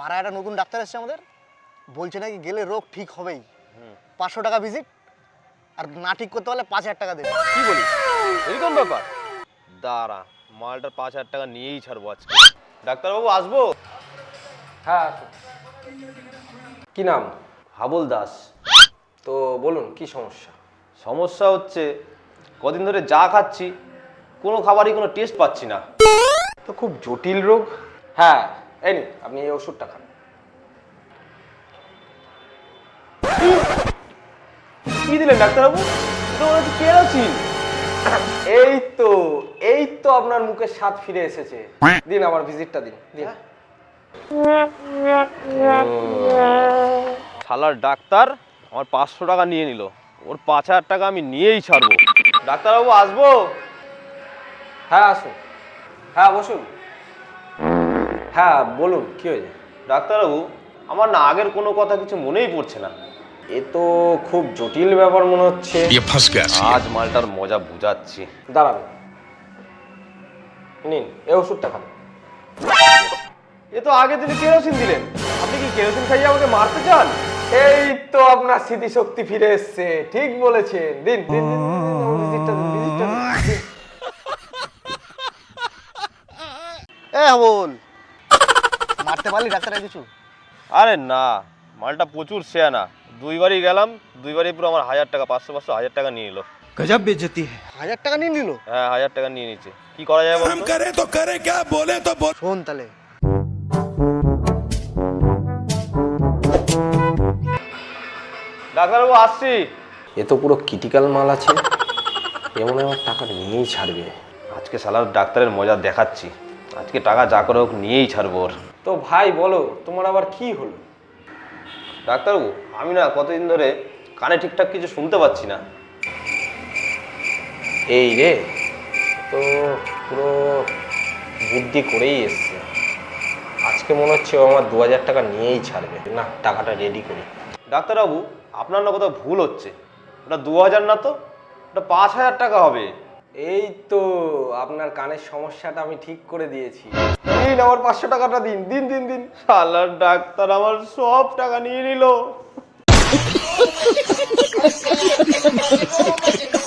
পাড়ায় একটা নতুন ডাক্তার এসেছে আমাদের, বলছে নাকি গেলে রোগ ঠিক হবেই। 500 টাকা ভিজিট, আর না ঠিক করতে পারলে 5000 টাকা দেবে। কি বলিস, এরকম ব্যাপার? দাঁড়া, মালটার 5000 টাকা নিয়েই ছাড়বো আজকে। ডাক্তারবাবু আসবো? হ্যাঁ আসুন। কি নাম? হাবুল দাস। তো বলুন কি সমস্যা? সমস্যা হচ্ছে কদিন ধরে যা খাচ্ছি কোনো খাবারই কোনো টেস্ট পাচ্ছি না। তো খুব জটিল রোগ। হ্যাঁ এই নিন, আপনি এই ওষুধটা খান। কি দিলেন ডাক্তারবাবু? এটা মনে হচ্ছে কেরোসিন। এই তো আপনার মুখে স্বাদ ফিরে এসেছে। দিন আমার ভিজিটটা দিন দিন। শালার ডাক্তার আমার 500 টাকা নিয়ে নিল, ওর 5000 টাকা আমি নিয়েই ছাড়বো। ডাক্তারবাবু আসবো? হ্যাঁ আসুন। হ্যাঁ বসুন। হ্যাঁ বলুন কি হয়েছে? ডাক্তারবাবু আমার না আগের কোনো কথা কিছু মনেই পড়ছে না। এ তো খুব জটিল ব্যাপার মনে হচ্ছে। আজ মালটার মজা বুঝাচ্ছি। দাঁড়ান, নিন এই ওষুধটা খান। এ তো আগে দিনে কেরোসিন দিলেন, আপনি কি কেরোসিন খাইয়ে আমাকে মারতে চান? এই তো আপনার স্মৃতিশক্তি ফিরে এসছে, ঠিক বলেছেন। দিন দিন দিন, আমার ভিজিটটা দিন, ভিজিটটা দিন। বল, মারতে পারলি ডাক্তার কিছু? আরে না, মালটা প্রচুর শেয়ানা। দুইবারই গেলাম, দুইবারই পুরো আমার 1000 টাকা, 500 500 1000 টাকা নিয়ে নিল। गजब बेइज्जती है। 1000 টাকা নিয়ে নিল? হ্যাঁ 1000 টাকা নিয়ে নিচ্ছে। কি করা যায় বলুন? करे तो करे क्या, बोले तो बोल। শোন তাহলে, ডাক্তারবাবু আসছি। এ তো পুরো ক্রিটিক্যাল মাল আছে, এমন আমার টাকা নিয়েই ছাড়বে। আজকে শালার ডাক্তারের মজা দেখাচ্ছি, আজকে টাকা যা করে হোক নিয়েই ছাড়বো ওর। তো ভাই বলো, তোমার আবার কি হলো? ডাক্তারবাবু আমি না কতদিন ধরে কানে ঠিকঠাক কিছু শুনতে পাচ্ছি না। এই রে, তো পুরো বুদ্ধি করেই এসছে। আজকে মনে হচ্ছে ও আমার 2000 টাকা নিয়েই ছাড়বে। না, টাকাটা রেডি করি। ডাক্তারবাবু আপনার না কোথাও ভুল হচ্ছে, ওটা 2000 না তো, ওটা 5000 টাকা হবে। এই তো আপনার কানের সমস্যাটা আমি ঠিক করে দিয়েছি। দিন আমার 500 টাকাটা দিন দিন দিন দিন। শালার ডাক্তার আমার সব টাকা নিয়ে নিল।